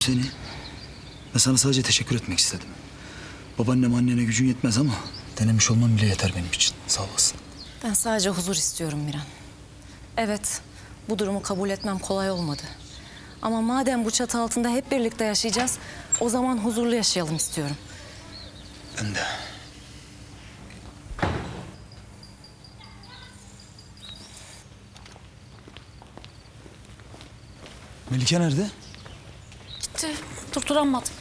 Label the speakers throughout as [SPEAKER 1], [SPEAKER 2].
[SPEAKER 1] seni. Ben sana sadece teşekkür etmek istedim. Babaannem annene gücün yetmez ama denemiş olman bile yeter benim için. Sağ olasın.
[SPEAKER 2] Ben sadece huzur istiyorum Miran. Evet, bu durumu kabul etmem kolay olmadı. Ama madem bu çatı altında hep birlikte yaşayacağız, o zaman huzurlu yaşayalım istiyorum.
[SPEAKER 1] Ben de. Melike nerede?
[SPEAKER 3] Gitti. Durduramadım.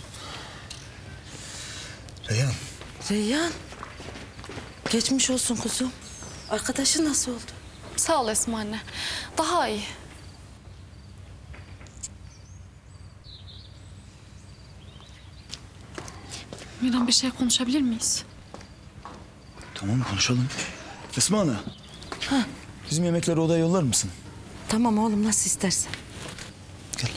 [SPEAKER 1] Reyhan.
[SPEAKER 2] Reyhan, geçmiş olsun kuzum. Arkadaşın nasıl oldu?
[SPEAKER 3] Sağ ol Esma anne. Daha iyi. Miran, bir şey konuşabilir miyiz?
[SPEAKER 1] Tamam konuşalım. Esma Ana. Bizim yemekleri odaya yollar mısın?
[SPEAKER 2] Tamam oğlum, nasıl istersen.
[SPEAKER 1] Gel.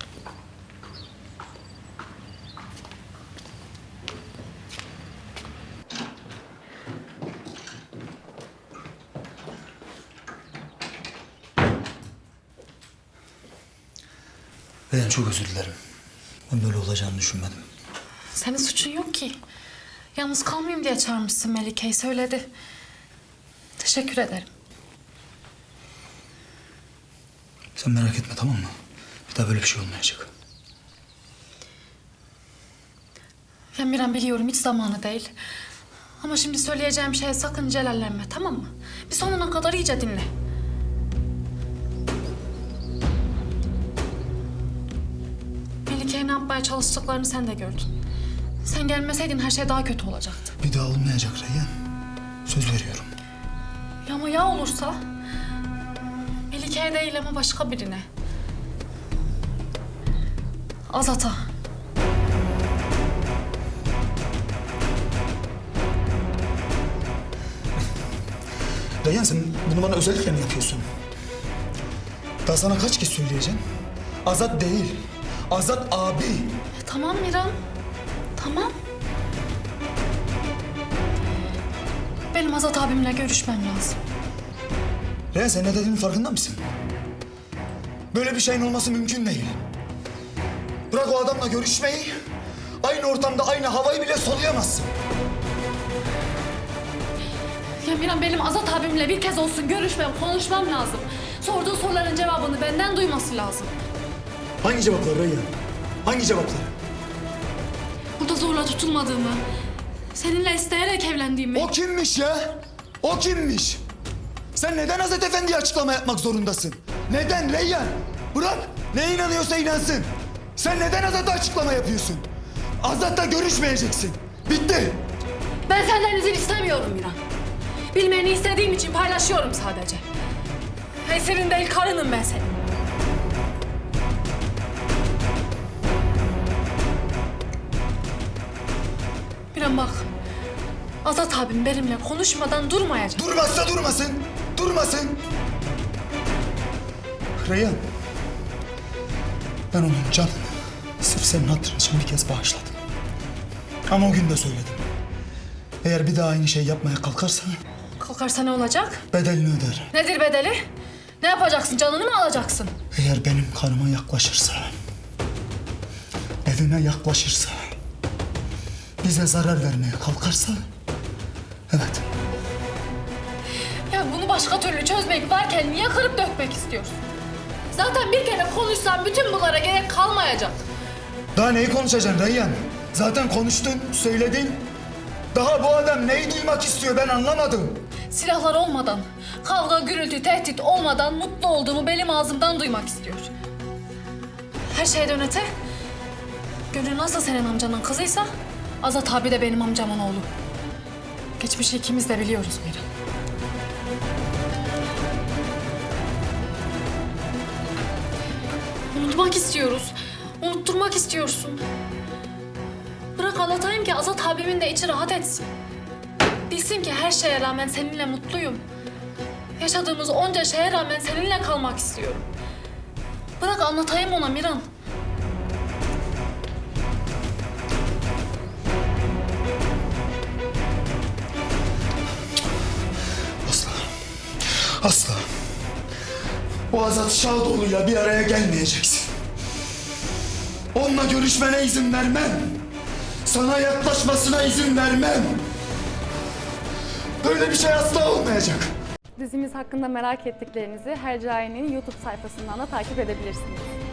[SPEAKER 1] Reyhan çok özür dilerim. Ben böyle olacağını düşünmedim.
[SPEAKER 3] Senin suçun yok ki. Yalnız kalmayayım diye çağırmışsın Melike'yi, söyledi. Teşekkür ederim.
[SPEAKER 1] Sen merak etme, tamam mı? Bir daha böyle bir şey olmayacak.
[SPEAKER 3] Ya Miran, biliyorum hiç zamanı değil. Ama şimdi söyleyeceğim şeye sakın celallenme, tamam mı? Bir sonuna kadar iyice dinle. Melike'ye ne yapmaya çalıştıklarını sen de gördün. Sen gelmeseydin her şey daha kötü olacaktı.
[SPEAKER 1] Bir daha olmayacak Reyhan. Söz veriyorum.
[SPEAKER 3] Ya ama ya olursa? Melike'ye değil ama başka birine. Azat'a.
[SPEAKER 1] Reyhan sen bunu bana özellikle mi yapıyorsun? Daha sana kaç kez söyleyeceğim? Azat değil. Azat abi.
[SPEAKER 3] Tamam Miran. Tamam. Benim Azat abimle görüşmem lazım.
[SPEAKER 1] Reyhan sen ne dediğinin farkında mısın? Böyle bir şeyin olması mümkün değil. Bırak o adamla görüşmeyi. Aynı ortamda aynı havayı bile soluyamazsın.
[SPEAKER 3] Ya Miran, benim Azat abimle bir kez olsun görüşmem, konuşmam lazım. Sorduğu soruların cevabını benden duyması lazım.
[SPEAKER 1] Hangi cevaplar Reyhan? Hangi cevaplar?
[SPEAKER 3] Burada zorla tutulmadığımı, seninle isteyerek evlendiğimi...
[SPEAKER 1] O kimmiş ya? O kimmiş? Sen neden Hazret Efendi'ye açıklama yapmak zorundasın? Neden Reyhan? Bırak. Ne inanıyorsa inansın. Sen neden Azat'a açıklama yapıyorsun? Azat'la görüşmeyeceksin. Bitti.
[SPEAKER 3] Ben senden izin istemiyorum Miran. Bilmeni istediğim için paylaşıyorum sadece. Esirin değil, karınım ben senin. Miran bak, Azat abim benimle konuşmadan durmayacak.
[SPEAKER 1] Durmazsa durmasın. Durmasın. Reyhan. Ben onun canını sırf senin hatırın için bir kez bağışladım. Ama o gün de söyledim. Eğer bir daha aynı şey yapmaya kalkarsa
[SPEAKER 3] Kalkarsa ne olacak?
[SPEAKER 1] bedelini öder.
[SPEAKER 3] Nedir bedeli? Ne yapacaksın? Canını mı alacaksın?
[SPEAKER 1] Eğer benim karıma yaklaşırsa, evime yaklaşırsa, bize zarar vermeye kalkarsa, evet.
[SPEAKER 3] Ya bunu başka türlü çözmek varken niye kırıp dökmek istiyorsun? Zaten bir kere konuşsan bütün bunlara gerek kalmayacak.
[SPEAKER 1] Daha neyi konuşacaksın Reyhan? Zaten konuştun, söyledin. Daha bu adam neyi duymak istiyor ben anlamadım.
[SPEAKER 3] Silahlar olmadan, kavga, gürültü, tehdit olmadan mutlu olduğumu benim ağzımdan duymak istiyor. Her şeyden öte, Gönül nasıl senin amcanın kızıysa, Azat abi de benim amcamın oğlu. Geçmişi ikimiz de biliyoruz Miran. Unutmak istiyoruz, unutturmak istiyorsun. Bırak anlatayım ki Azat abimin de içi rahat etsin. Bilsin ki her şeye rağmen seninle mutluyum. Yaşadığımız onca şeye rağmen seninle kalmak istiyorum. Bırak anlatayım ona Miran.
[SPEAKER 1] Asla. Asla. O Azat Şadoğlu'yla bir araya gelmeyeceksin. Onunla görüşmene izin vermem. Sana yaklaşmasına izin vermem. Böyle bir şey asla olmayacak.
[SPEAKER 4] Dizimiz hakkında merak ettiklerinizi Hercai'nin YouTube sayfasından da takip edebilirsiniz.